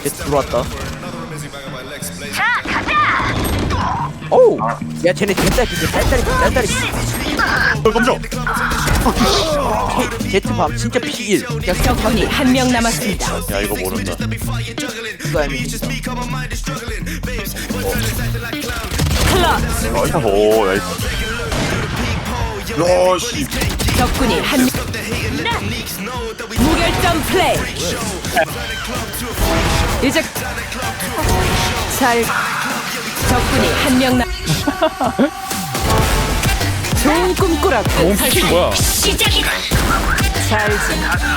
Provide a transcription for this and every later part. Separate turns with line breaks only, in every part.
들어왔다. 오우! 야, 쟤네 뒷다리, 딸다리.
깜짝.
제트밤 진짜 피일. 야,
적군이 한 명 남았습니다.
야 이거 모른다.
그거 아니지.
클럽.
오 나이스. 야씨.
적군이 한 명. 무결점 플레이. 이제 잘. 적군이 한 명 남. 좋은 꿈꾸라고.
피 뭐야?
잘지.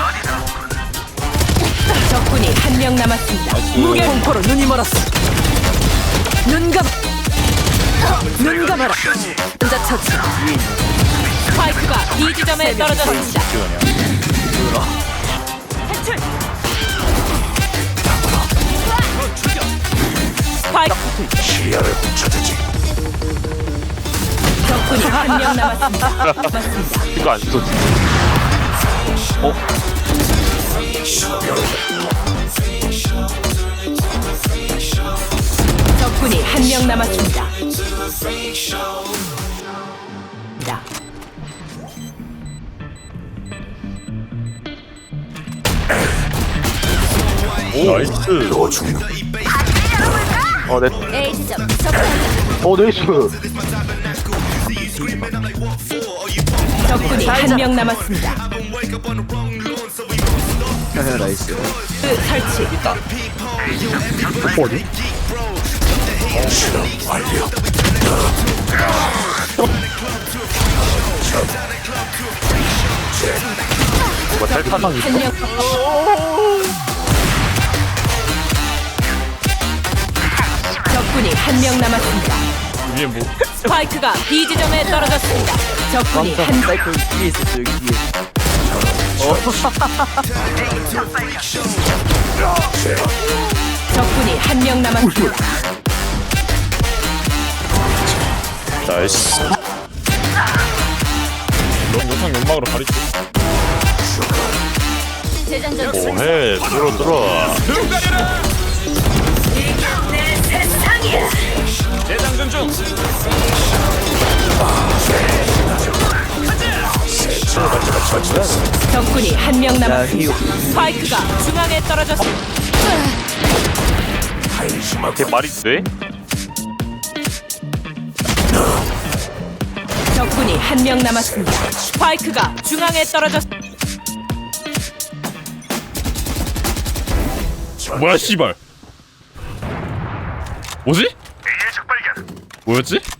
적군이 한 명 남았습니다. 무결 공포로 눈이 멀었어. 눈 감아라. 혼자 처치. 스파이크가 B 지점에 떨어졌습니다. 탈출. 스파이크.
시야를 훔쳐주지.
적군이 한 명 남았습니다. 맞습니다.
이거 안 쏘지.
적군이 한 명 남았습니다. 자,
나이스.
A 지점
나이스.
적군이 한 명 남았습니다.
나이스.
설치.
어디? 뭐 탈탄.
한 명. 적군이 한 명 남았습니다.
위에 뭐?
스파이크가 B 지점에 떨어졌습니다. 적군이
깜짝
한
사이클 뒤에 있었어, 여기 뒤에.
적군이 한 명 남았습니다.
나이스. 영상 연막으로 가리지.
재장전
오해 들어. 재장전 중.
적군이 한 명
야,
남았습니다.
히오.
스파이크가 중앙에 떨어졌습니다.
걔 말이 돼?
적군이 한 명 남았습니다. 스파이크가 중앙에 떨어졌.
뭐야 씨발. 뭐지? 뭐였지?